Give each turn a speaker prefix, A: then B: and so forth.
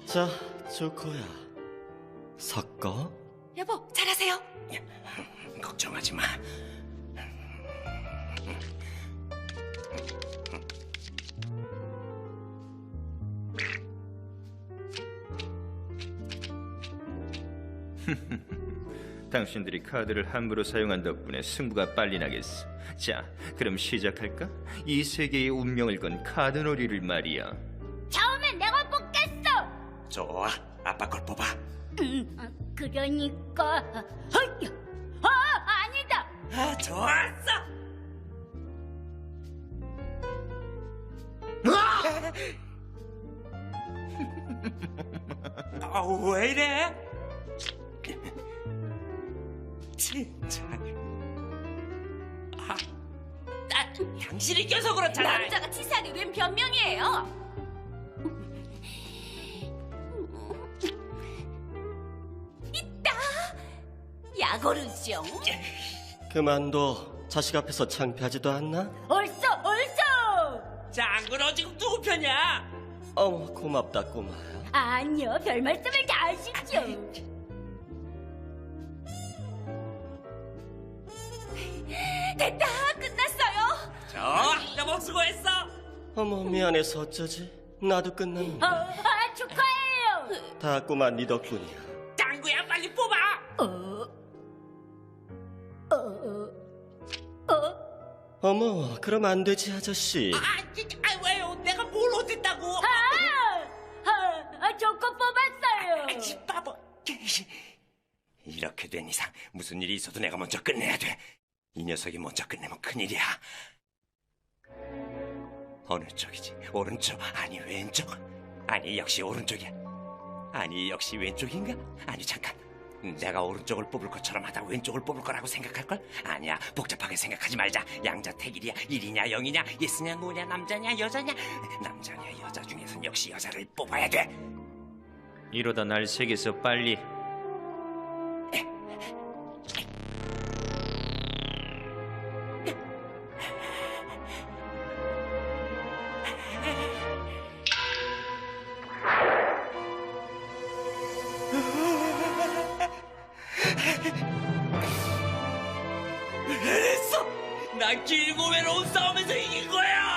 A: 자, 조커야. 섞어.
B: 여보, 잘하세요.
C: 걱정하지 마.
D: 당신들이 카드를 함부로 사용한 덕분에 승부가 빨리 나겠어. 자, 그럼 시작할까? 이 세계의 운명을 건 카드 놀이를 말이야.
E: 처음엔 내가 뽑겠어.
C: 좋아, 아빠 걸 뽑아.
E: 그러니까 아니다.
C: 아, 좋았어. 왜 이래? 진짜. 당신이 껴서 그렇잖아.
B: 남자가 치사하게 웬 변명이에요? 있다. 야고르죠.
A: 그만둬. 자식 앞에서 창피하지도 않나?
E: 얼쏘.
C: 장군어 지금 누구 편이야?
A: 어머, 고맙다, 꼬마야.
E: 아니요, 별 말씀을 다 하시죠.
B: 됐다. 끝났어요.
C: 좋아, 너무 수고했어.
A: 어머, 미안해서 어쩌지? 나도 끝났네.
E: 축하해요.
A: 다 꼬마 네 덕분이야.
C: 짱구야, 빨리 뽑아.
A: 어머, 그럼 안 되지, 아저씨.
C: 왜요? 내가 뭘 어쨌다고?
E: 조커 뽑았어요.
C: 이 바보. 이렇게 된 이상 무슨 일이 있어도 내가 먼저 끝내야 돼. 이 녀석이 먼저 끝내면 큰일이야. 어느 쪽이지? 오른쪽? 아니 왼쪽? 아니 역시 오른쪽이야. 아니 역시 왼쪽인가? 아니 잠깐. 내가 오른쪽을 뽑을 것처럼 하다 왼쪽을 뽑을 거라고 생각할걸? 아니야, 복잡하게 생각하지 말자. 양자택일이야. 1이냐 0이냐, 예스냐 노냐, 남자냐 여자냐. 남자냐 여자 중에선 역시 여자를 뽑아야 돼.
D: 이러다 날 세계에서 빨리.
C: 했어! 난 길고 외로운 싸움에서 이긴 거야!